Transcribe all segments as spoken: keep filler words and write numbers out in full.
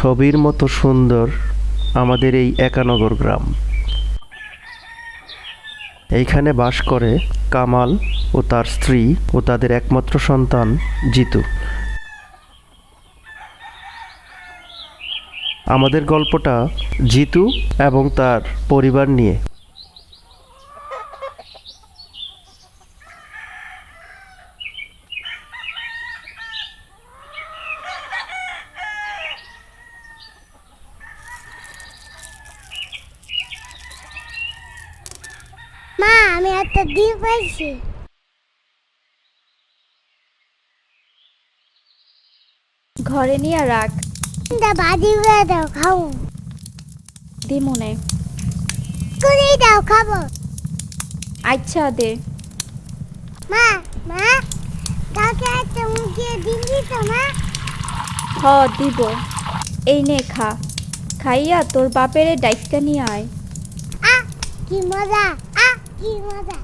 ছবির মতো সুন্দর আমাদের এই একানগর গ্রাম। এইখানে বাস করে কামাল ও তার স্ত্রী ও তাদের একমাত্র সন্তান জিতু। আমাদের গল্পটা জিতু এবং তার পরিবার নিয়ে। মা, আমি একটা ডিম পাইছি। ঘরে নিয়ে রাখ। ডিমটা ভাজি করে দাও, খাবো। দিমুনে। করেই দাও, খাবো। আচ্ছা দে। মা, মা, কালকে একটা মুরগির ডিম দিত মা। হ দিব। এই নে খা। খাইয়া তোর বাপেরে ডাইক্কা নিয়ে আয়। আ কি মজা, আ কি মজা।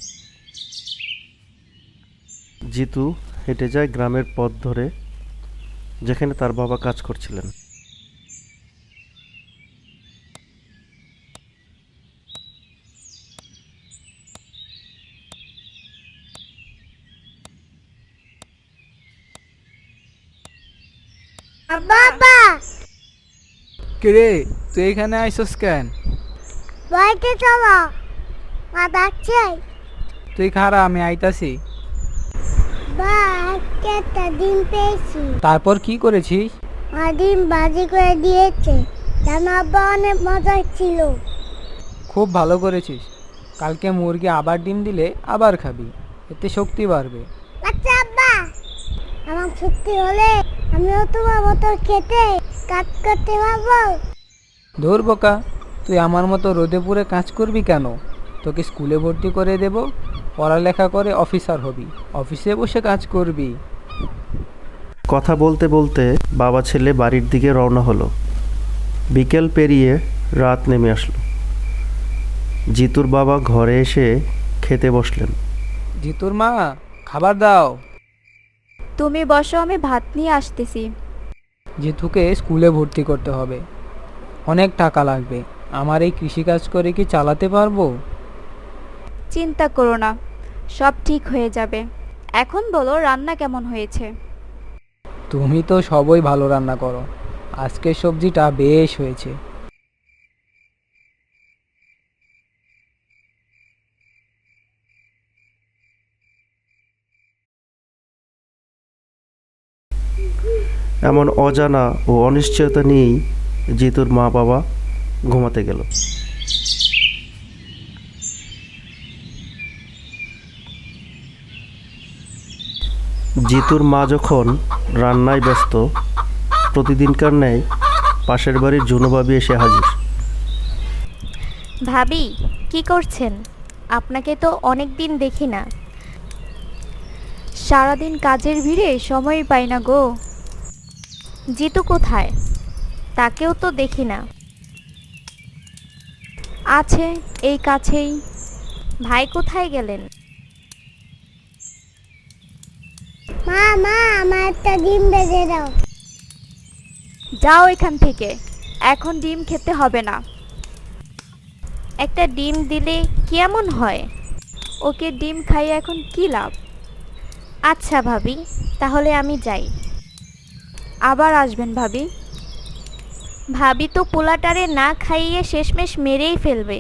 জিতু হেঁটে যায় গ্রামের পথ ধরে, যেখানে তার বাবা কাজ করছিলেন। বাবা, কিরে তুই এখানে আইসস কেন? বাড়িতে চলো, মা ডাকছে। তুই খারা, আমি আইতাছি। বা, আজকে একটা ডিম পেয়েছি। তারপর কি করেছিস? মা ডিম ভাজি করে দিয়েছে, জানো আব্বা, অনেক মজা ছিল। খুব ভালো করেছিস। কালকে মুরগি আবার ডিম দিলে আবার খাবি, এতে শক্তি বাড়বে। আচ্ছা আব্বা, আমার সত্যি হলে আমিও তোমার মতো খেতে কাজ করতে পারবো। ধুর বোকা, তুই আমার মতো রোদে পুড়ে কাজ করবি কেন? তোকে স্কুলে ভর্তি করে দেব, পড়ালেখা করে অফিসার হবি, অফিসে বসে কাজ করবি। কথা বলতে বলতে বাবা ছেলে বাড়ির দিকে রওনা হলো। বিকেল পেরিয়ে রাত নেমে আসলো। জিতুর বাবা ঘরে এসে খেতে বসলেন। জিতুর মা, খাবার দাও। তুমি বসো, আমি ভাত নিয়ে আসতেছি। জিতুকে স্কুলে ভর্তি করতে হবে, অনেক টাকা লাগবে। আমার এই কৃষিকাজ করে কি চালাতে পারবো? চিন্তা করো না, সব ঠিক হয়ে যাবে। এখন বলো রান্না কেমন হয়েছে? তুমি তো সবই ভালো রান্না করো, আজকের সবজিটা বেশ হয়েছে। এমন অজানা ও অনিশ্চয়তা নিয়েই জিতুর মা বাবা ঘুমাতে গেল। জিতুর মা যখন রান্নায় ব্যস্ত, প্রতিদিনকার ন্যায় পাশের বাড়ির জুনু ভাবি এসে হাজির। ভাবি, কি করছেন? আপনাকে তো অনেক দিন দেখি না। সারাদিন কাজের ভিড়ে সময় পাই না গো। জিতু কোথায়? তাকেও তো দেখি না। আছে এই কাছেই। ভাই কোথায় গেলেন? মা, মা, আমার একটা ডিম ভেজে দাও। যাও এখান থেকে, এখন ডিম খেতে হবে না। একটা ডিম দিলে কেমন হয়? ওকে ডিম খাইয়ে এখন কি লাভ? আচ্ছা ভাবি, তাহলে আমি যাই। আবার আসবেন ভাবি। ভাবি তো পোলাটারে না খাইয়ে শেষমেশ মেরেই ফেলবে।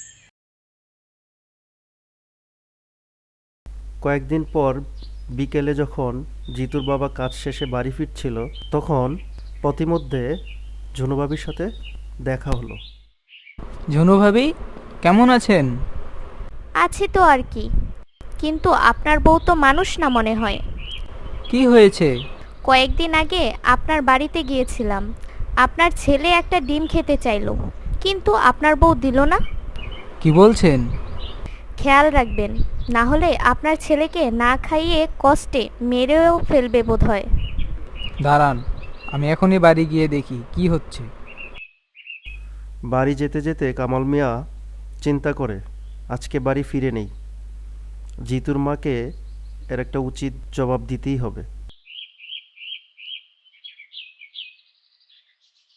কয়েকদিন পর বিকেলে যখন জিতুর বাবা কাজ শেষে বাড়ি ফিরছিল, তখন পথিমধ্যে ঝুনু ভাবির সাথে দেখা হলো। ঝুনু ভাবি, কেমন আছেন? আছি তো আর কি, কিন্তু আপনার বউ তো মানুষ না মনে হয়। কি হয়েছে? কয়েকদিন আগে আপনার বাড়িতে গিয়েছিলাম। আপনার ছেলে একটা ডিম খেতে চাইলো, কিন্তু আপনার বউ দিল না। কি বলছেন? খেয়াল রাখবেন, না হলে আপনার ছেলেকে না খাইয়ে কষ্টে মেরেও ফেলবে বোধহয়। দাঁড়ান, আমি এখনই বাড়ি গিয়ে দেখি কি হচ্ছে। বাড়ি যেতে যেতে কামাল মিয়া চিন্তা করে আজকে বাড়ি ফিরে নেই। জিতুর মাকে এর একটা উচিত জবাব দিতেই হবে।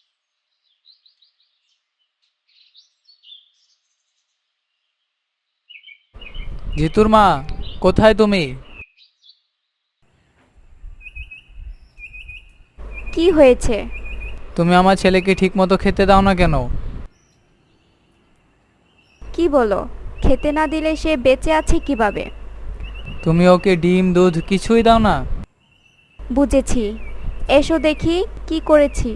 জিতুর মা, কোথায় তুমি? কি হয়েছে? তুমি আমার ছেলেকে ঠিক মতো খেতে দাও না কেন? কি বলো? খেতে না দিলে সে বেঁচে আছে কিভাবে? তুমি ওকে ডিম দুধ কিছুই দাও না? বুঝেছি, এসো দেখি কি করেছি।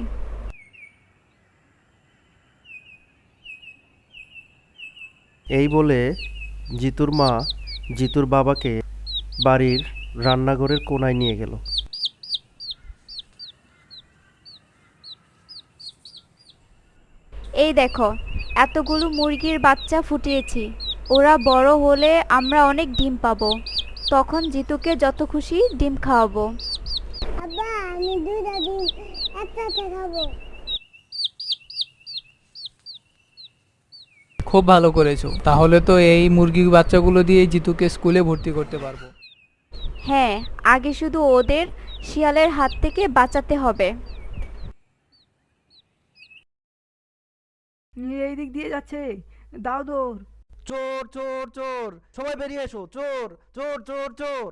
এই বলে জিতুর মা জিতুর বাবাকে বাড়ির রান্নাঘরের কোণায় নিয়ে গেল। এই দেখো, এতগুলো মুরগির বাচ্চা ফুটিয়েছি। ওরা বড় হলে আমরা অনেক ডিম পাবো। তখন জিতুকে যত খুশি ডিম খাওয়াবো। আব্বা আমি দুইটা ডিম একসাথে খাবো। খুব ভালো করেছো, তাহলে তো এই মুরগির বাচ্চাগুলো দিয়ে জিতুকে স্কুলে ভর্তি করতে পারবো। হ্যাঁ, আগে শুধু ওদের শিয়ালের হাত থেকে বাঁচাতে হবে। এই দিক দিয়ে যাচ্ছে, দাও দৌড়। চোর চোর চোর, সবাই বেরিয়ে এসো, চোর চোর চোর চোর।